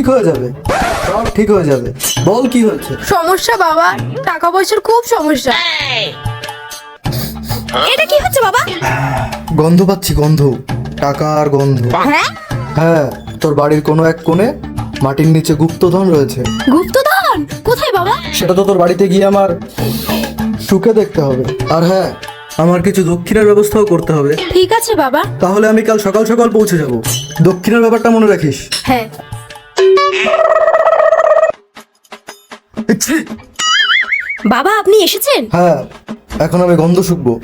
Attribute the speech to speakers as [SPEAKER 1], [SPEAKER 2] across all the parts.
[SPEAKER 1] ঠিক হয়ে যাবে, সব ঠিক হয়ে যাবে। বল কি হয়েছে?
[SPEAKER 2] সমস্যা বাবা, টাকা পয়সার খুব সমস্যা।
[SPEAKER 3] এটা কি হচ্ছে বাবা?
[SPEAKER 1] গন্ধ পাচ্ছি, গন্ধ, টাকার গন্ধ।
[SPEAKER 3] হ্যাঁ,
[SPEAKER 1] হ্যাঁ, তোর বাড়ির কোনো এক কোণে মাটির নিচে গুপ্তধন রয়েছে।
[SPEAKER 3] গুপ্তধন কোথায় বাবা?
[SPEAKER 1] সেটা তো তোর বাড়িতে গিয়ে আমার শুকে দেখতে হবে। আর হ্যাঁ, আমার কিছু দক্ষিণের ব্যবস্থাও করতে হবে।
[SPEAKER 2] ঠিক আছে বাবা।
[SPEAKER 1] তাহলে আমি কাল সকাল সকাল পৌঁছে যাব। দক্ষিণের ব্যাপারটা মনে রাখিস।
[SPEAKER 2] হ্যাঁ।
[SPEAKER 3] বাবা আপনি এসেছেন?
[SPEAKER 1] হ্যাঁ, এখন আমি গন্ধ শুকবো।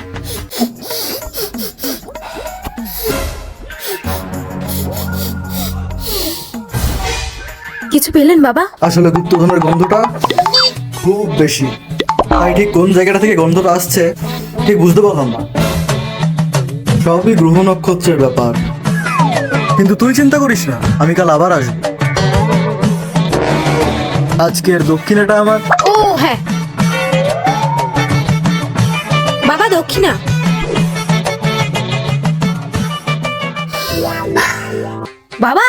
[SPEAKER 2] কিছু পেলেন বাবা?
[SPEAKER 1] আসলে গুপ্তধনের গন্ধটা খুব বেশি, তাই ঠিক কোন জায়গাটা থেকে গন্ধটা আসছে ঠিক বুঝতে পারলাম না। সবই গ্রহ নক্ষত্রের ব্যাপার। কিন্তু তুই চিন্তা করিস না, আমি কাল আবার আসবো। আজকের দক্ষিণাটা আমার।
[SPEAKER 2] ও হ্যাঁ বাবা, দক্ষিণা।
[SPEAKER 3] বাবা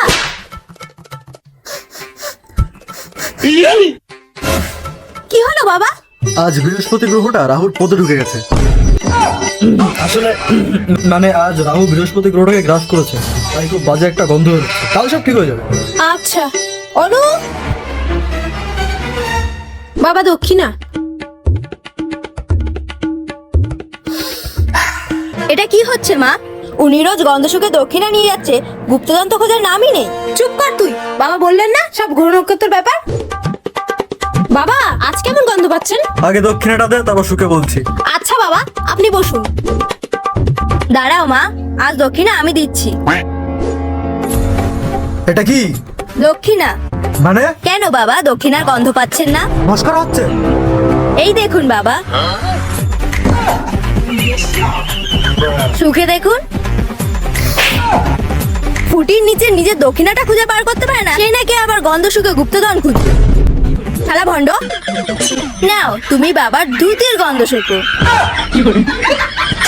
[SPEAKER 3] কি হলো বাবা?
[SPEAKER 1] আজ বৃহস্পতি গ্রহটা রাহুর পদে ঢুকে গেছে। আসলে মানে আজ রাহু বৃহস্পতি গ্রহটাকে গ্রাস করেছে, তাই খুব বাজে একটা গন্ধ হচ্ছে। কাল সব ঠিক হয়ে যাবে।
[SPEAKER 2] আচ্ছা অনু, বাবা দক্ষিণা।
[SPEAKER 3] এটা কি হচ্ছে মা? উনি রোজ গন্ধ শুকে দক্ষিণা নিয়ে যাচ্ছে, গুপ্তধন তো খোঁজার নামই নেই।
[SPEAKER 2] চুপ কর তুই। বাবা বললেন না সব গ্রহ নক্ষত্রের ব্যাপার। বাবা আজ কেমন গন্ধ পাচ্ছেন?
[SPEAKER 1] আগে দক্ষিণাটা দে, তারপর সুখে বলছি।
[SPEAKER 3] আচ্ছা বাবা আপনি বসুন। দাঁড়াও মা, আজ দক্ষিণা আমি দিচ্ছি।
[SPEAKER 1] এটা কি
[SPEAKER 3] দক্ষিণা।
[SPEAKER 1] মানে?
[SPEAKER 3] কেন বাবা দক্ষিণার গন্ধ পাচ্ছেন না?
[SPEAKER 1] মস্করা হচ্ছে?
[SPEAKER 3] এই দেখুন বাবা, সুখে দেখুন। ফুটির নিচে নিজের দক্ষিণাটা খুঁজে বার করতে পারে না, সে নাকি আবার গন্ধ শুকে গুপ্তধন খুঁজবে। শালা ভণ্ড, নাও তুমি বাবার ধুতির গন্ধ শুকো।